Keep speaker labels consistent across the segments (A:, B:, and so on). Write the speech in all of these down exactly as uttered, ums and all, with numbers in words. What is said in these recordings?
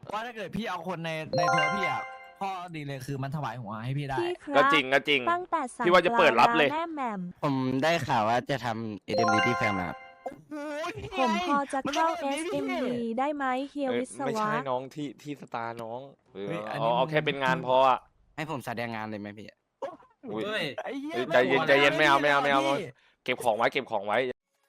A: ว่าถ้าเกิดพี่เอาคนในในทัวร์พี่อ่ะข้อดีเลยคือมันถวายหัวให้พี่ได้
B: พี่ค
C: ก็
B: รับ
C: จริงก็จริง
B: ตั้งแต่สั่ง
C: พี่ว่าจะเปิดรับเลย
B: แม่แหม่ม
D: ผมได้ข่าวว่าจะทำ เอ เอ็ม ดี ที่แฟมนะครับ
A: โอ้ยนี่
B: ผม
A: ไง
B: พอจะเข้า
A: มันต้อง
B: เอส
A: แบบ
B: เอ็ม
A: นี้
B: ดี
A: พี่
B: ได้ไหมเฮีย
C: เอ้ย
B: วิศ
C: ไม่
B: วะ
C: ใช่น้องที่ที่สตาร์น้องเออ
A: เฮ้ยอัน
C: เอา
A: นี้
C: เอา
A: มึง
C: แค่เป็นงานพออ่ะ
D: ให้ผมแสดงงานเลยไหมพี่
C: อุ้ย
E: เฮ้ย
A: ไอ้เหี้ย
C: เอ้ย
A: ไม่
C: ใจเย็น
A: หัว
C: ใจเย็นไม่เอาไม่เอาไม่เอา
A: พี่
C: เก็บของไว้เก็บของไว้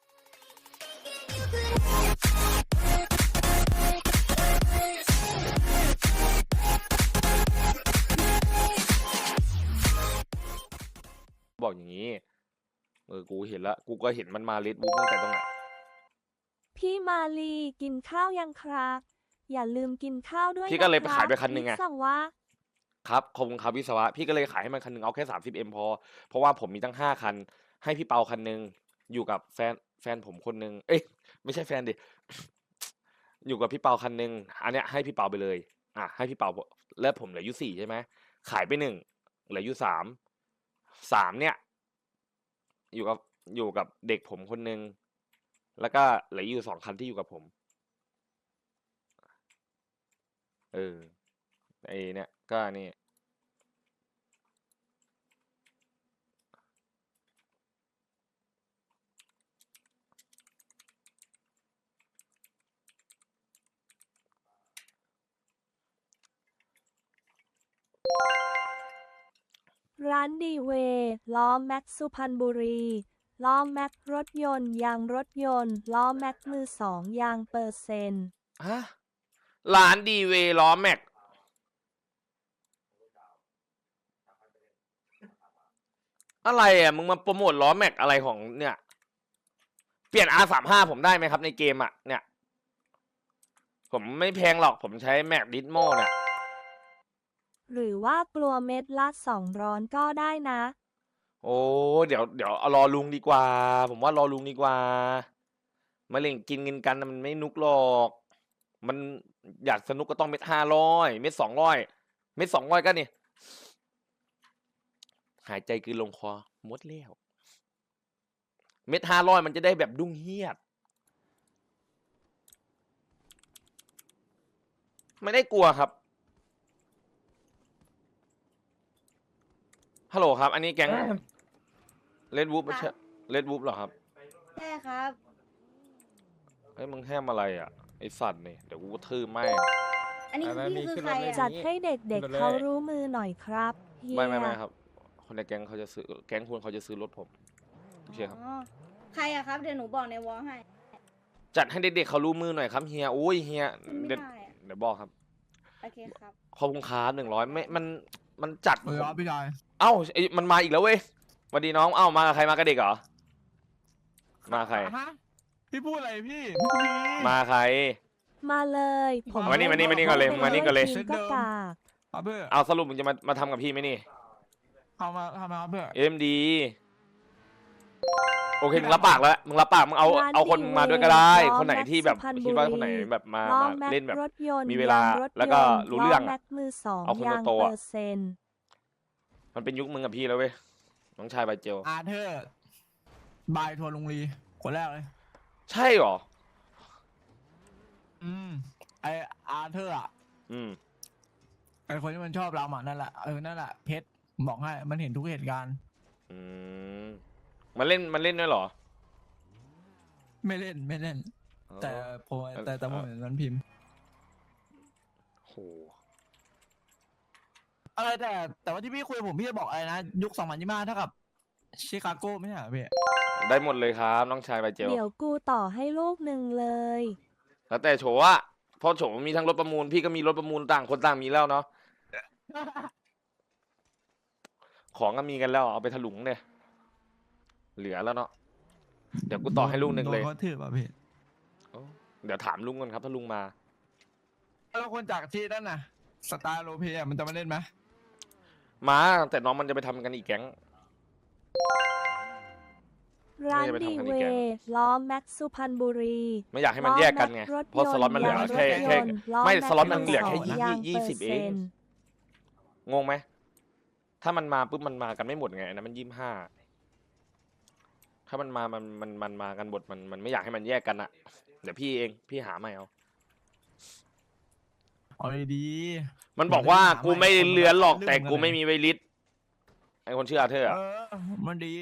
C: บอกอย่างนี้เออกูเห็นละกูก็เห็นมันมาเลดบุ๊กตั้งแต่ตรงไหน
B: พี่มาลีกินข้าวยังครับ อย่าลืมกินข้าวด้วย
C: พี่ก็เลย
B: ะ
C: ไป
B: รับ
C: ขายไปคันหนึ่งไง
B: วิศวะ
C: ครับขอบคุณครับวิศวะพี่ก็เลยขายให้มันคันหนึ่งเอาแค่สามสิบเอ็มพอเพราะว่าผมมีตั้งห้าคัน ให้พี่เปาคันหนึ่งอยู่กับแฟนแฟนผมคนหนึ่งเอ้ยไม่ใช่แฟนดิ อยู่กับพี่เปาคันหนึ่งอันเนี้ยให้พี่เปาไปเลยอ่ะให้พี่เปาแล้วผมเหลืออยู่สี่ใช่ไหมขายไปหนึ่งเหลืออยู่สามสามเนี่ย อยู่กับอยู่กับเด็กผมคนหนึ่งแล้วก็เหลืออยู่สองคันที่อยู่กับผม เออไอเนี่ยก็นี่
B: ร้านดีเวย์ล้อแม็กสุพรรณบุรีล้อแม็กรถยนต์ยางรถยนต์ล้อแม็กมือสองยางเปอร์เซ็นต์
C: ฮะร้านดีเวล้อแม็กอะไรอ่ะมึงมาโปรโมทล้อแม็กอะไรของเนี่ยเปลี่ยน อาร์ สามสิบห้า ผมได้ไหมครับในเกมอ่ะเนี่ยผมไม่แพงหรอกผมใช้แม็กดิสโมเนี่ย
B: หรือว่ากลัวเม็ดละสองร้อนก็ได้นะ
C: โอ้เดี๋ยวเดี๋ยวเอารอลุงดีกว่า ผมว่ารอลุงดีกว่ามาเล่นกินเงินกันน่ะมันไม่นุกหรอก มันอยากสนุกก็ต้องเม็ดห้าร้อยเม็ดสองร้อยเม็ดสองร้อยก็นี่หายใจคือลงคอหมดแล้วเม็ดห้าร้อยมันจะได้แบบดุ้งเฮียดไม่ได้กลัวครับฮัลโหลครับ อันนี้แก๊งเลดวูฟไม่ใช่เลดวูฟหรอครับ
F: ใช่ครับ
C: เฮ้ยมึงแฮมอะไรอ่ะไอสัตว์นี่เดี๋ยวกูก็ทื่อแม่ง
F: อันนี้คือพี่คือใครอ่ะ
B: จัดให้เด็กๆเขารู้มือหน่อยครับเฮีย
C: ไม่ไม่ไม่ครับ คนในแก๊งเขาจะซื้อแก๊งคุณเขาจะซื้อรถผมโอเคครับ
F: อ๋อใครอะครับ เดี๋ยวหนูบอกในวอลให้
C: จัดให้เด็กๆเขารู้มือหน่อยครับเฮียโอ้ยเฮีย
F: ไม่
C: เดี๋ยว
F: ได้อะ
C: เดี๋ยวบอกครับ
F: โอเคครับ
C: ขอบคุณครับหนึ่งร้อยไม่มันมันจัด
A: เออครับพี่ชาย
C: เอ้าไอ้มันมาอีกแล้วเว้ยสวัสดีน้องเอ้ามากับใครมากับเด็กเหรอมาใคร
A: ฮะพี่พูดอะไรพี่พี่มี
C: มาใคร
B: มาเลยผม
C: มานี่มานี่มานี่ก่อนเลยมานี่ก่อนเลย
B: ทีมก็กาก
A: ครับเพื่อ
C: เอาสรุปมึงจะมามาทำกับพี่ไหมนี่
A: ทำมาทำมาครับเพื่อ
C: เอ็มดีโอเคมึงรับปากแล้วมึงรับปากมึงเอาเอาคนมึงมาด้วยก็ได้ คนไหนที่แบบคิดว่าคนไหนแบบมา
B: ล้อ
C: มา
B: แม็ก
C: เล่นแบบ
B: รถยนต์
C: มีเวลาย
B: งรถยนต์
C: แล้วก็รู้เรื่อง
B: ล้
C: อะ
B: แม็กมือสอง
C: เอาคน
B: ยาง
C: โตๆอะ
B: เปอร์เซ็นต์
C: มันเป็นยุคมึงกับพี่แล้วเว้ยน้องชายใบเจล
A: อาเธอร์บายทัวร์ลุงลีคนแรกเลย
C: ใช่หรอ
A: อืมไออาเธอร์อ่ะ
C: อืม
A: ไอคนที่มันชอบเราอ่ะนั่นแหละเออนั่นแหละเพชรบอกให้มันเห็นทุกเหตุการณ์
C: อืมมันเล่นมันเล่นด้วยเหรอ
A: ไม่เล่นไม่เล่น แต่ผมแต่แต่ผมเห็นมันพิมพ์
C: โห
A: อะไรแต่แต่ว่าที่พี่คุยกับผมพี่จะบอกอะไรนะยุคสองพันยี่สิบห้าเท่ากับชิคาโกไม่ใช่เหรอพี่
C: ได้หมดเลยครับน้องชายใบเจล
B: เดี๋ยวกูต่อให้ลูกหนึ่งเลย
C: แล้วแต่โฉอะเพราะโฉมีทั้งรถประมูลพี่ก็มีรถประมูลต่างคนต่างมีแล้วเนาะของก็มีกันแล้วเอาไปถลุงเนี่ยเหลือแล้วเนาะเดี๋ยวกูต่อให้ลูกหนึ่งเลย
A: โดเขาถือป่ะพี่
C: โอ้เดี๋ยวถามลุงก่อนครับถ้าลุงมา
A: แล้วคนจากที่นั่นน่ะสตาร์โลเพียมันจะมาเล่นไหม
C: มาแต่น้องมันจะไปทำกันอีกแก๊ง
B: ร้าน
C: ไม่ได้ไป
B: ดี
C: ทำกัน
B: เว
C: อีกแก๊ง
B: ย์ล้อแม็กสุพรรณบุรี
C: ไม่อยากให้มันแยกกันไง
B: ล้อแม็
C: เพราะสล็อตมันเหลือแค่แค่
B: ล้อ
C: ไม่
B: แก
C: สล็อตมันเหลือแค่
B: มื
C: ยี่
B: สง
C: ยี่สิบเอง
B: ยางปร์ซ็นต์
C: งงไหมถ้ามันมาปุ๊บมันมากันไม่หมดไงอันนะมันยี่สิบห้าถ้ามันมามันมันมันมากันหมดมันมันไม่อยากให้มันแยกกันอะเดี๋ยวพี่เองพี่หาไม่เอา
A: เอาดี
C: มันบอกว่ากูไม่เลือนหรอก
A: คนมัน
C: แต่กู
A: ลืมกันเลย
C: ไม่มีไวลิสไอคนชื่ออาเธอร์
A: เอ
C: อะ
A: อมันดี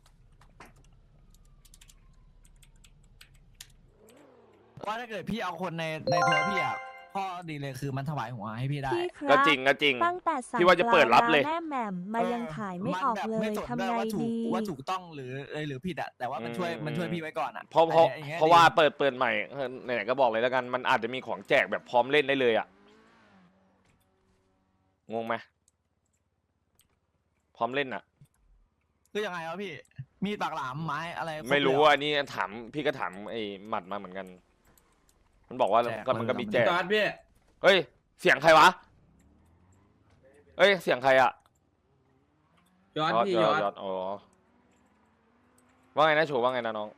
A: ว่าถ้าเกิดพี่เอาคนในในทัวร์พี่อ่ะข้อดีเลยคือมันถวายหัวให้พี่ได้
B: พี่ค
C: ก็
B: รับ
C: จริงก็จริง
B: ตั้งแต่สั่ง
C: พี่ว่าจะเปิดรับเลย
B: ปาร้าแม่แหม่มมายังขายไม่ออก
A: นแบบ
B: เลย
A: สน
B: ทำ
A: ด้
B: ไง
A: ว่าถูก
B: ดี
A: ว่าถูกต้องหรือหรือผิดอะแต่ว่ามันช่วย
C: อืม
A: มันช่วยพี่ไว้ก่อนอะ
C: เพราะเพราะ
A: อันนี้
C: เพราะว่าเปิดเปิดใหม่เออไหนๆก็บอกเลยแล้วกัน มันอาจจะมีของแจกแบบพร้อมเล่นได้เลยอะงงไหมพร้อมเล่นอะ
A: คือยังไงวะพี่ มีดปากหลามไม้อะไรคบ
C: ไม่รู้
A: เลยเห
C: อันนี้ถามพี่ก็ถามไอ้หมัดมาเหมือนกัน มันบอกว่า
A: แจก
C: ก็มันก็มีแจก
E: ตอนพี่
C: เฮ้ย เสียงใครวะเฮ้ยเสียงใครอะ
E: ยอด
C: ยอด
E: พี่
C: ย
E: ย
C: อ
E: อ
C: ด
E: ด
C: ยอดอ๋อว่าไงนะโฉว่าไงนะน้อง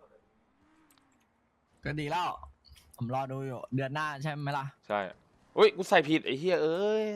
A: ก็ดีแล้ว ผมรอดูอยู่ เดือนหน้าใช่ไหมล่ะ
C: ใช่อุ้ยกูใส่ผิดไอ้เหี้ยเอ้ย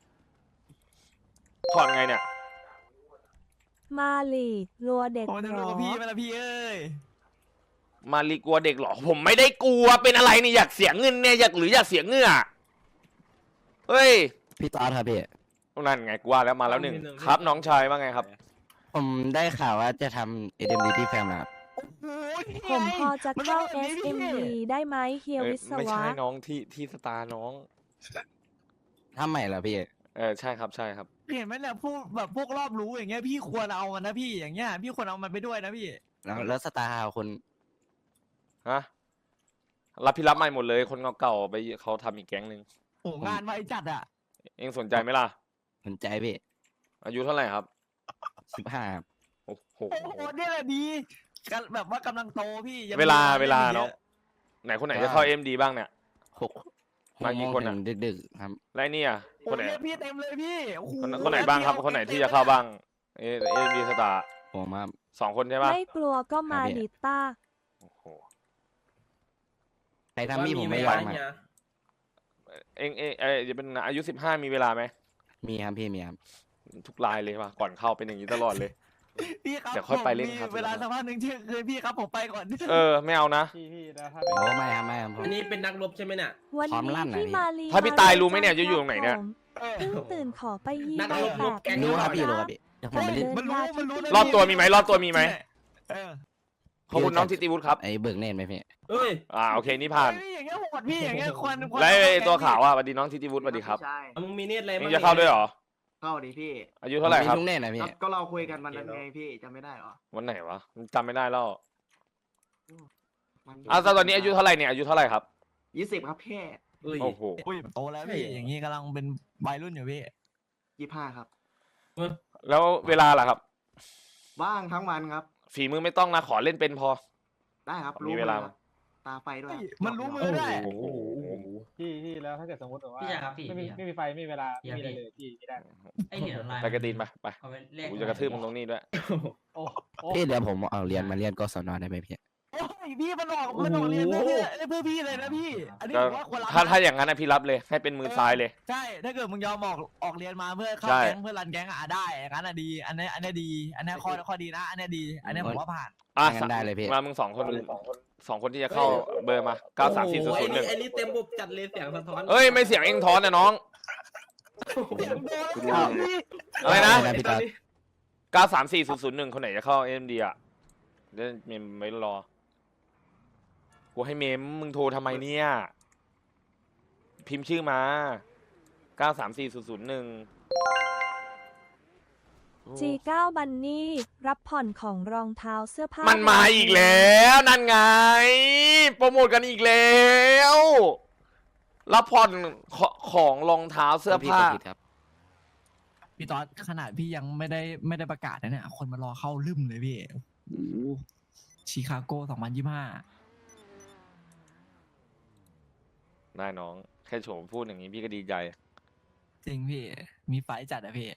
C: ถอดไงเนี่ย
B: มาลีรัวเด็ก
A: ผมจะ
B: หร
A: ดู
B: อ
A: กับพี่ไหมล่ะพี่เอ้ย
C: มารีกลัวเด็กเหรอ ผมไม่ได้กลัวเป็นอะไรเนี่ยอยากเสียเงินเนี่ยอยากหรืออยากเสียเหงื่อเฮ้ย
D: พี่ตอสครับพี่
C: นั่นไงกลัวแล้วมาแล้วหนึ่งครับน้องชายว่าไงครับ
D: ผมได้ข่าวว่าจะทำเอเดมดีที่แฟมนะครับ
A: โอ้ย
B: ผมพอจะ
A: มัน
B: เข้า
A: ต้องแบบนี้
B: เอส เอ็ม ดี
A: พี่
B: ได้ไหมเฮีย
C: เอ้ย
B: วิศ
C: ไม่
B: วะ
C: ใช่น้องที่ที่สตาร์น้อง
D: ทำใหม่เหรอพี่
C: เออใช่ครับใช่ครับ
A: เห็นไหมเนี่ยพวกแบบพวกรอบรู้อย่างเงี้ยพี่ควรเอามันนะพี่อย่างเงี้ยพี่ควรเอามันไปด้วยนะพี่
D: แล้วแล้วสตาร์ฮาวคน
C: ฮะรับพี่รับใหม่หมดเลยคนเก่าๆไปเขาทำอีกแก๊งหนึ่ง
A: โอ้งานไวจัดอะ
C: เองสนใจไหมล่ะ
D: สนใจพี่
C: อายุเท่าไหร่ครับ
D: สิบห้าครับ
C: โอ้โห
A: โอ้โหเนี่ยแหละดีกันแบบว่ากำลังโตพี่ยัง
C: เวลา
A: มี
C: เวลา
A: ล่
C: น้อง
A: ยะ
C: ไหนคนไหนจะเข้าเอ็มดีบ้างเนี่ย
D: หกห
C: มาก กี่
D: โมง
C: คน
D: ถึ
C: อะ
D: งดึกๆครับ
C: แล้วไอ้นี่อ่ะ
A: โอ้
C: คนไหน
A: เรียกพี่เต็มเลยพี่โอ้โห
C: คนคนไหนบ้างครับ คนไหนที่จะเข้าบ้างเอเอ็มดีสตาร์
D: ผมครับ
C: สองคนใช่ปะ
B: ไม่กลัวก็มา
D: ครับพี่
B: ดิต้า
C: โอ้โห
D: ใครทำพี่ผมไม่ย
E: ว
D: อ
E: ล
D: มครับ
E: เนี่ย
C: เองเองเอยจะเป็นอายุสิบห้ามีเวลาไหม
D: มีครับพี่มีครับ
C: ทุกรายเลยว่ะก่อนเข้าเป็นอย่างนี้ตลอดเลย
A: พี่ครับ
C: เดี๋ยวค่อยไปเล่น
A: ผมมี
C: ครับ
A: เวลาสักพักหนึ่งที่คือพี่ครับผมไปก่อน
C: เออไม่เอานะ
G: พี่พี่แล้วถ้า
D: โอ้ไม่ครับไม่ครับผม
E: อันนี้เป็นนักรบใช่ไหมเนี่ย
B: วัน
D: พร้อม
B: นี้
D: ลั่นน่ะ
B: พี่
D: พี่
B: มาลี
C: ถ้าพี่ตายรู้ไหมเนี่ยจะอยู่ตรงไหนเนี่ย
A: เออ
B: เพิ่งตื่นขอไปยี
E: นักรบ
B: แป
E: รบ
B: ด
E: แก๊ง
D: รู้ครับ
E: ก่อน
D: พี่รู้ครับพี่เดี๋ยวผมไปเล่น
A: มันรู้มันรู้นะ
C: รอบตัวมีไหมรอบตัวมีไหม
A: เออ
C: ขอบคุณน้องทิติวุฒิครับ
D: ไอ้เบิกเนตไหมพี่
E: เอ้ย
C: อ่าโอเคนี่ผ่าน
A: เฮ้ยอย่างเงี้ยโหดพี่อย่างเงี้ยควรควร
C: แล้วไอ้
A: เอา
C: ตัว
A: แก๊ง
C: ขาวอ่ะสวัสดีน้องทิติวุฒิสวัสดีครับ
G: ใช่
E: มึงมีเนตอะไร
C: เอง
E: บ้าง
C: จะเข้าด้วยเหรอ
G: เข้าดิพี่
C: อายุเท่าไหร่ครับ
D: ผมมีทุกเนตนะพี่
G: ก็เราคุยกันวันนั้นไงพี่จำไม่ได้เหรอ
C: วันไหนวะจำไม่ได้แล้ว
G: มัน
C: อ่ะตอนนี้อายุเท่าไหร่เนี่ยอายุเท่าไหร่ครับ
G: ยี่สิบครับแค่
E: เอ้ย
C: โอ้โห
A: อุ้ยโตแล้วพี่
E: ใช่
A: อย่างงี้กำลังเป็นวัยรุ่นอยู่พี่
G: ยี่ห้าครับ
C: แล้วเวลาล่ะครับ
G: ว่างทั้งวันครับ
C: ฝีมือไม่ต้องนะขอเล่นเป็นพอ
G: ได้ครับ
C: มีเวลา
G: ครับตาไฟด้วย
A: เฮ้ย
G: ครับ
A: มันรู้มือด้วย
C: โอ้โห
H: พี่พี่แล้วถ้าเกิดสมมติแบบว่า
I: พี่ชายครับพี่
H: ไม่มี
I: พี่
H: ไม่มีไฟไม่มีเวลา
I: พี่
H: ไม่มีอะไร
I: พี่
H: เลยพี่พี่ได้
I: ไอเหรียญออนไลน์
C: ไปกระตีนไปไป
I: เอาไปแลก
C: กูจะกระทืบมึงตรงนี้ด้วย
H: โอ้โอ้
D: พี่เดี๋ยวผมเอาเรียนมาเรียนกศนได้ไหมพี่
A: โอ้ยพี่มันออกมันออกเรียนเพื่อพี่เพื่อพี่เลยนะพี่ อันนี้
C: ก็
A: ผมว่าควรรับ
C: ถ้า
A: นะ
C: ถ้าอย่างนั้นนะพี่รับเลยให้เป็นมือซ้ายเลย
A: ใช่ ถ้าเกิดมึงยอมออกออกเรียนมาเพื่อเข้า
C: ใช่
A: แก๊งเพื่อรันแก๊งอ่ะได้อย่างนั้นอ่ะดี อันนี้อันนี้ดี อันนี้ข้อข้อดีนะ อันนี้ดี อันนี้ผมว่าผ่าน
C: อ่ะ
D: งั้นได้เลยพี่
C: มามึงสองคนสองคนที่จะเข้าเบอร์มาเก้าสามสี่ศูนย์
E: โอ้
C: ศู
E: โห
C: นย์หนึ่ง
E: ไอ้นี่เต็มบบจัดเลยเสียงสะท้อน
C: เอ้ยไม่เสียงเองท้อนนะน้อง อะไรนะ
D: ได้พี่ตอส
C: เก้าสามสี่ศูนย์ศูนย์หนึ่งคนไหนจะเข้าเอ็มดีอ่ะเดี๋ยวเมมไม่รอ กูให้เมมมึงโทรทำไมเนี่ย พิมพ์ชื่อมาเก้าสามสี่ศูนย์ศูนย์หนึ่ง
B: จี เก้า บันนี่ รับผ่อนของรองเท้าเสื้อผ้า
C: มั
B: มัน
C: มาอีกแล้ว นั่นไง โปรโมทกันอีกแล้ว รับผ่อนขของรองเท้าเสื้อ
D: พี่
C: ผ้า
D: กดผิดครับ
A: พี่ตอดขนาดพี่ยังไม่ได้ไม่ได้ประกาศนะเนี่ย คนมารอเข้าลืมเลยพี่ โอ้โหชิคาโกสองพันยี่สิบห้า
C: ได้น้อง แค่โฉมพูดอย่างนี้พี่ก็ดีใจ
A: จริงพี่ มีไฟจัดอะพี่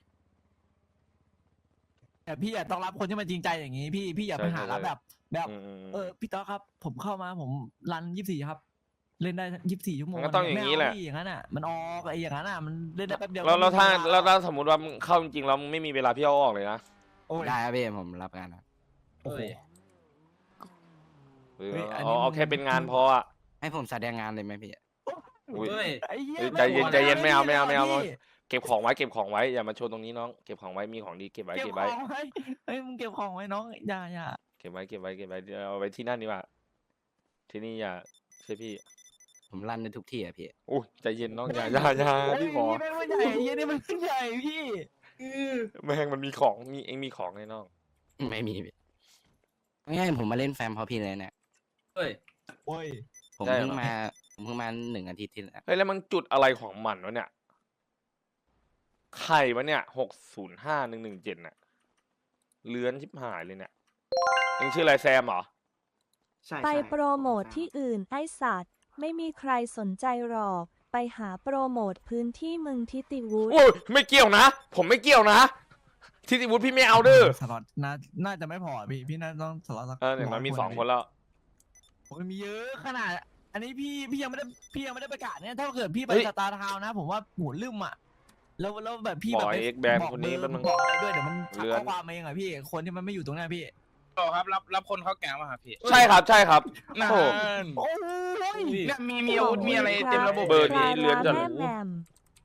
A: แต่พี่อะต้องรับคนที่มันจริงใจอย่างนี้ พี่พี่อย่าไป
C: ใช่
A: หา
C: ใช่
A: รับแบบ แบบ
C: อืม
A: เออพี่ต๊อกครับ ผมเข้ามาผมรันยี่สิบสี่ครับ เล่นได้ยี่สิบสี่ชั่วโมง
C: มันก็ต้องอย่างนี้แหละ
A: ไม่เพี่อย่างนั้นอ่ะ มันออกไอ้อย่างนั้นอ่ะมันเล่นได้แป๊บเดียว
C: แล้วแล้วถ้า
A: ไม่มีเ
C: แล้วถ้าสมมติว่ามึงเข้าจริงๆแล้วมึงไม่มีเวลาพี่เอาออกเลยนะ
A: โอ้ย
D: ได้ครับพี่ผมรับงานครับ
A: โอ้โห
C: หรือ
A: เฮ้ยอัน
C: เอา
A: นี้
C: เอา
A: มึง
C: แค่เป็นงานพออ่ะ
D: ให้ผมแสดงงานเลยไหมพี่
C: อุ้ย
E: เฮ้ย
A: ไอ้เหี้ย
C: เอ้ยใจเย็นใจเย็นไม่เอาไม่เอาไม่เอา
A: พี่
C: เก็บของไว้เก็บของไว้อย่ามาโชว์ตรงนี้น้องเก็บของไว้มีของดีเก็บไว้
A: เก็บ
C: เก็บ
A: ข
C: ไว้
A: องไว้เฮ้ยมึงเก็บของไว้น้องอย่าอย่า
C: เก็บไว้เก็บไว้เก็บไว้เดี๋ยวเอาไว้ที่นั่นดีกว่าที่นี่อย่าใช่พี่
D: ผมลั่นในทุกที่อะพี่
C: อุ้ยใจเย็นน้องอย่าอย่าอย่า
A: โอ้ย
C: พี่ขอ
A: นี่แม่งไม่ใหญ่ไอ้เหี้ยนี่มันไม่ใหญ่พี่
C: แม่งมันมีของมีเองมีของไงน้อง
D: ไม่มีพี่ง่ายๆผมมาเล่นแฟมเพราะพี่เลยเนี่ย
E: เฮ้ย
A: โอ้ย
D: ผมเพิ่งมาผมเพิ่งมาหนึ่งอาทิตย์ที่แล้ว
C: เฮ้ยแล้วมันจุดอะไรของมันวะเนี่ยใครวะเนี่ยหกศูนย์ห้าหนึ่งหนึ่งเจ็ดน่ะเลื้อนชิบหายเลยเนี่ยเองชื่ออะไรแซมเหรอ
G: ใช่
B: ไป
G: ใช่
B: โปรโมทที่อื่นไอ้สัตว์ ไม่มีใครสนใจหรอก ไปหาโปรโมทพื้นที่มึงทิติวุฒิ
C: โอ้ยไม่เกี่ยวนะ ผมไม่เกี่ยวนะทิติวุฒิพี่ไม่เอาเด้อ
A: สล็อตน่าน่าจะไม่พอพี่พี่น่าต้องสล็อตสัก
C: เออเนี่ยมันมี
A: ร้ย
C: สอง
A: ะ
C: คนแล้ว
A: โอ้ยมีเยอะขนาด อันนี้พี่พี่ยังไม่ได้พี่ยังไม่ได้ประกาศเนี่ยถ้าเกิดพี่ไป
C: เฮ้ย
A: สตาร์ทาวน์นะ ผมว่าหูลืมอ่ะแล้วแล้วแบบพี่
C: บ
A: แบ
C: อบ ก
A: ไป
C: เอ็กแบน
A: บอก
C: คนนี้
A: เบอร์
C: แป๊บนึง
A: บอกอะไรด้วยเดี๋ยวมันทัก
C: เลื่อน
A: ข้อความมาเองอ่ะพี่คนที่มันไม่อยู่ตรงหน้าพี่
I: ครับรับรับคนเข้าแก๊งมาครับพี่
C: ใช่ครับใช่ครับ
I: นาน
C: โอ้
A: โอ้ย
I: เนี่ยมีมีอาวุธมีอะไรเต็มระบบ
C: เบอร์นี้
B: คา
C: เลื่อนจัด
B: แม่แหม่ม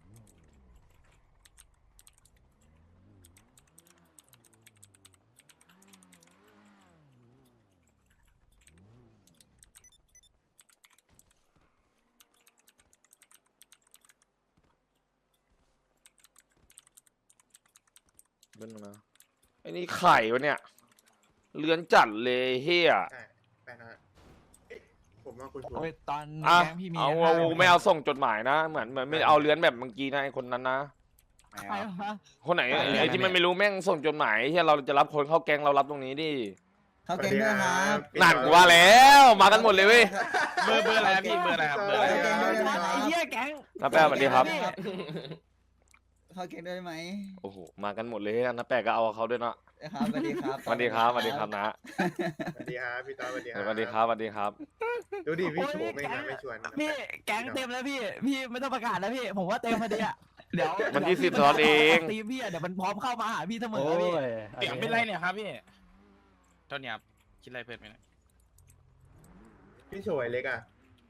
C: เบิ้ลนะไอ้นี่ไข่วะเนี่ยเลื้อนจัดเลยเฮีย
J: ไปนะเอ๊ะผมว่าคุณชวน
A: โอ้ยตอน
C: อ่ะ
A: แก๊งพี่มี
C: เอา
A: ห้
C: เอาไม่เอาส่งจดหมายนะเหมือนเหมือนไม่เอาเลื้อนแบบเมื่อกี้นะไอ้คนนั้นนะ
D: ไม่
A: ใคร
D: เอา
A: วะ
C: คนไหน
D: ไม่เอา
C: ไอ้ที่มันไม่รู้แม่งส่งจดหมายเฮียเราจะรับคนเข้าแก๊งเรารับตรงนี้ดิ
J: เขาเก่งด้วยครับ
C: นั่นกูว่าแล้วมากันหมดเลยเว้ย
I: เบอร์เบอร์อะไรครับพี่เบอร์อะไรครับเบอร์อะไร
J: เก่งด้วย
A: ไอ้
J: ครับ
A: เหี้ยแก๊ง
C: น้าแป้สวัสดีครับ
J: เขาเก่งด้วยไหม
C: โอ้โหมากันหมดเลยน้าแป้ก็เอาเขาด้วยเนาะ
J: ครับสวัสดีครับ
C: สวัสดีครับสวัสดีครับนะ
J: สวัสดีครับพี่ต้อสวัสดี
C: สวัสดีครับสวัสดีครับ
J: ดูดิพี่
A: โอ้ย
J: โฉมไม่
A: แก๊ง
J: ไม่ชวน
A: พี่แก๊งเต็มแล้วพี่พี่ไม่ต้องประกาศแล้วพี่ผมว่าเต็มพอดีอ่ะเดี๋ยว
C: วันที่สิบสล็อตเอง
A: ทีมพี่อะเดี๋ยวมันพร้อมเข้ามาหาพี่เสมอ
H: โอ้
A: พี่
H: ย
I: เสียงเป็นไรเนี่ยครับพี่เท่านี้ครับคิดอะไรเพิ่มไหมเนี่ย
J: พี่โฉยเล็กอ่ะ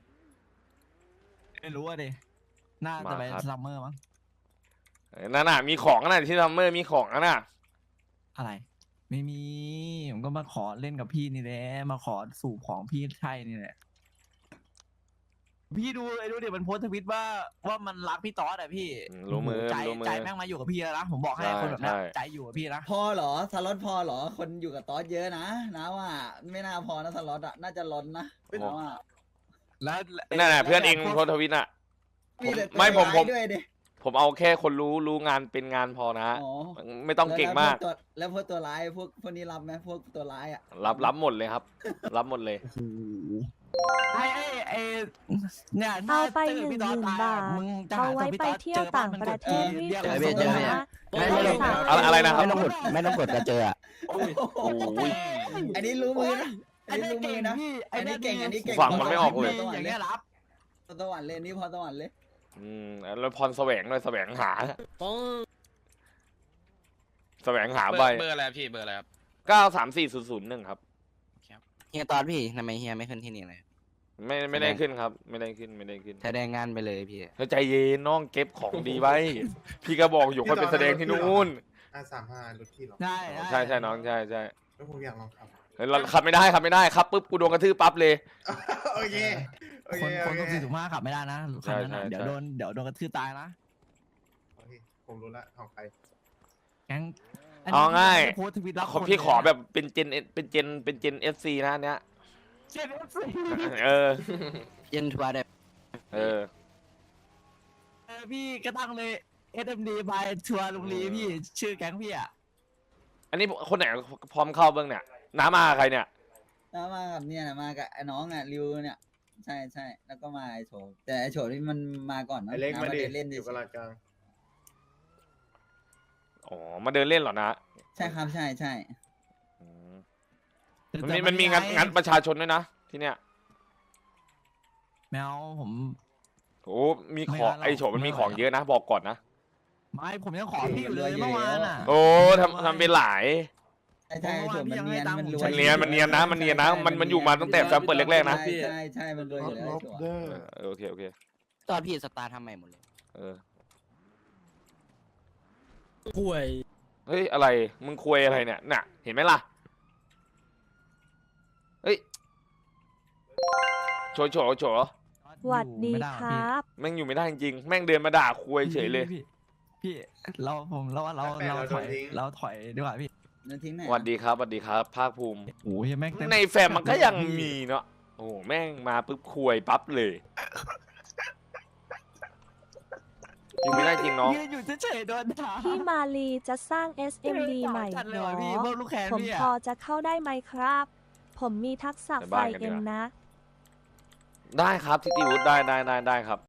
A: ไม่รู้อ่ะดิน่าจะไป
C: มาครับ
A: ซัมเมอร์มั้ง
C: นั่นน่ะมีของน่ะที่ซัมเมอร์มีของน่ะ
A: อะไร ไม่มีผมก็มาขอเล่นกับพี่นี่แหละมาขอสูบของพี่ใช่นี่แหละพี่ดูไอ้ดูเดี๋ยวมันโพสต์ทวิตว่าว่ามันรักพี่ต๊อดอะพี่
C: อืมรู้มือ
A: ใจ
C: รู้มือ
A: ใจแม่งมาอยู่กับพี่แล้วนะผมบอกให้
C: ใช่
A: คนแบบนั้น
C: ใช่
A: ใจอยู่กับพี่นะ
J: พอเหรอสล็อตพอเหรอคนอยู่กับต๊อสเยอะนะนะว่าไม่น่าพอนะสล็อตอ่ะน่าจะล้นนะนะว่า
A: แล้ว
C: นั่นน่ะเพื่อนเองโพสต์ทวิตน่ะ
J: มีแต่
C: ไม่ผมผม
J: ตัวร้ายด้วยดิ
C: ผมเอาแค่คนรู้รู้งานเป็นงานพอนะ
J: อ๋อ
C: ไม่ต้องเก่งมาก
J: แล้วพวตัวแล้วพวกตัวร้ายพวกพวกนี้รับไหมพวกตัวร้ายอ่ะ
C: รับรับหมดเลยครับ รับหมดเลย
A: ไอ้ไอ้ไอ้เนี่ย
B: เอาไป
A: จ
B: หนึ่ง
A: พี่
B: ห
A: ต๊อด
B: มื่น
A: ตย
B: บาท
A: มึงจะ
B: เอา
A: หา
B: ไว้
A: ตัวพี่
B: ไป
A: ต๊อด
B: เที่ยว
A: จอบ้
B: ต่าง
A: มัน
B: ป
A: ก
B: ระ
A: ด
B: เทศรีบ
A: เรียก
B: ส่
A: เรา
B: ง
A: ส่ง
B: เงิน
A: มา
B: นะ
C: อะไร
B: ได้ค่ะ
C: อะไรอะไรนะครับ
D: ไม่ต้องกดไม่ต้องกดจะเจออะ
C: โอ้ย
J: อันนี้รู้มือนะอั
A: อั
J: น
A: น
J: นี้
A: นี้
J: รู้มื
A: เก่
J: อง นะ
A: พี่
J: อันนี้เก่งอันนี้เก่ง
C: ฟังมันไม่ออกเลย
J: พอสวรร
A: อย่าง
J: ค์เล
A: เงี้
J: ย
A: ยรับ
J: พอสวรรค์เลยนี่พอสวรรค์เลย
C: อืมแล้วพรแสวงด้วยแสวงหา แสวงหา
I: เบอ
C: ใบ
I: ร์เบอร์อะไรครับพี่เบอร์อะไรครับ
C: เก้าสามสี่ศูนย์ศูนย์หนึ่งครับ
D: เฮียตอนพี่ทำไมเฮียไม่ขึ้นที่นี่เลย
C: ไม่ไม่ได้ขึ้นครับ ไม่ได้ขึ้นไม่ได้ขึ้น
D: แสดงงานไปเลยพี่
C: แล้วใจเย็นน้องเก็บของดีไว้ พี่ก็บอกอยู่ค่อยไปแสดงที่นู่น
J: อ่าสามห้ารถพี่หรอ
A: ใช่
C: ใช่ใช่น้องใช่ใช่
J: แล้วผมอยากลองขับ
C: เฮ้ยเราขับไม่ได้ขับไม่ได้ครับปุ๊บกูโดนกระทืบปั๊บเลย
J: โอเคโอ
A: ค
J: เคน
A: คน
J: โอ
A: ต้อง
J: เค
A: สี่ถูกมากขับไม่ได้นะคันนั้นน่ะ
C: ใช่ใช่
A: เดี๋ยวโดนเดี๋ยวโดนกระทืบตายนะ
J: โอเคผมรู้ละของใคร
A: แก๊งนนี้
C: เอาง่าย
A: โพสต์ทวิตรับ
C: ขอ
A: คน
C: พี่ขอ
A: เลยนะ
C: แบบเป็นเจนเป็นเจนเป็นเจนเอฟซีนะอันเนี้ย
A: เจ็ดเอฟซี
C: เออ
D: เย็นทัวร์ได้
C: เออ
A: เออพี่ก็ตั้งเลย เอส เอ็ม ดี by ทัวร์ลุงลีพี่ชื่อแก๊งพี่อ่ะ
C: อันนี้คนไหนพร้อมเข้าเบื้องเนี่ยน้ามาใครเนี่ย
J: แล้วมากับเนี่ยนะมากับไอ้น้องอ่ะริวเนี่ย ใช่ใช่แล้วก็มาไอ้โฉมแต่ไอ้โฉมนี่มันมาก่อนนะ
G: ไอเล็ก
J: น้
G: มาดิ
J: เล่น
G: อ
J: ดิ
G: ยู่กับลาดกลาง
C: อ๋อมาเดินเล่นเหรอนะ
J: ใช่ครับใช่ใช่
C: อืมมันมีมันมีงานงานประชาชนด้วยนะที่เนี้ย
A: แมวผม
C: โอ้มี
A: ไม่
C: ของ
A: เอาหรอก
C: ไอโฉมมันมี
A: ไม่
C: ของ
A: เอา
C: เยอะนะบอกก่อนนะ
A: ไม่ผมยังขอพี่อยู่เลยเมื่อวานอ่ะ
C: โอ้ทำทำเป็นหลาย
J: ใช่ใช่ไอ้โฉมมันเนียนมันรวย
C: มันเนียนมันเนียนนะมันเนียนนะมันมันอยู่มาตั้งแต่แฟมเปิดแรกๆนะ
J: ใช่ใช่ใช่มันรวยอยู่แล้วไอ้โฉม
C: เออโอเคโอเค
D: ตอนพี่สตาร์ททำใหม่หมดเลย
C: เออ
D: ป่วย
C: เฮ้ยอะไรมึงคุยอะไรเนี่ยน่ะเห็นไหมล่ะเฮ้ยโฉโฉโฉ
B: หวัดดี
A: ไม่ไ
B: ค
A: พี่
B: รับ
C: แม่งอยู่ไม่ได้จริงๆแม่งเดินมาด่าคุยเฉยเลย
A: พี่พี่พี่เราผมเราเราเราถอยเราถอยดีกว่าพี่
J: นั่นทิ้งไหน
C: สวัสดีครับสวัสดีครับภาคภูมิ
A: โอ้ยแม่งเต็ม
C: ในแฟมมันก็ยังมีเนาะโอ้โหแม่งมาปุ๊บคุยปั๊บเลยอยู่ไม่ได้จริงน้อง
A: ยืนอยู่เฉยๆโดนด่า
B: พี่มาลีจะสร้าง เอส เอ็ม ดี ใหม่
A: จัด
B: เห
A: เล
B: ร
A: ย
B: อ
A: ว่ะพี่พวกลูกแคน
B: ผม
A: พี่
B: พอ
A: อะ
B: จะเข้าได้ไหมครับ ผมมีทักษะ
C: ไป
B: ไฟ
C: บ้านกันดี
B: เอ็
C: ก
B: ม
C: ว่า
B: นะ
C: ได้ครับทิติวุฒิได้ได้ได้ได้ครับ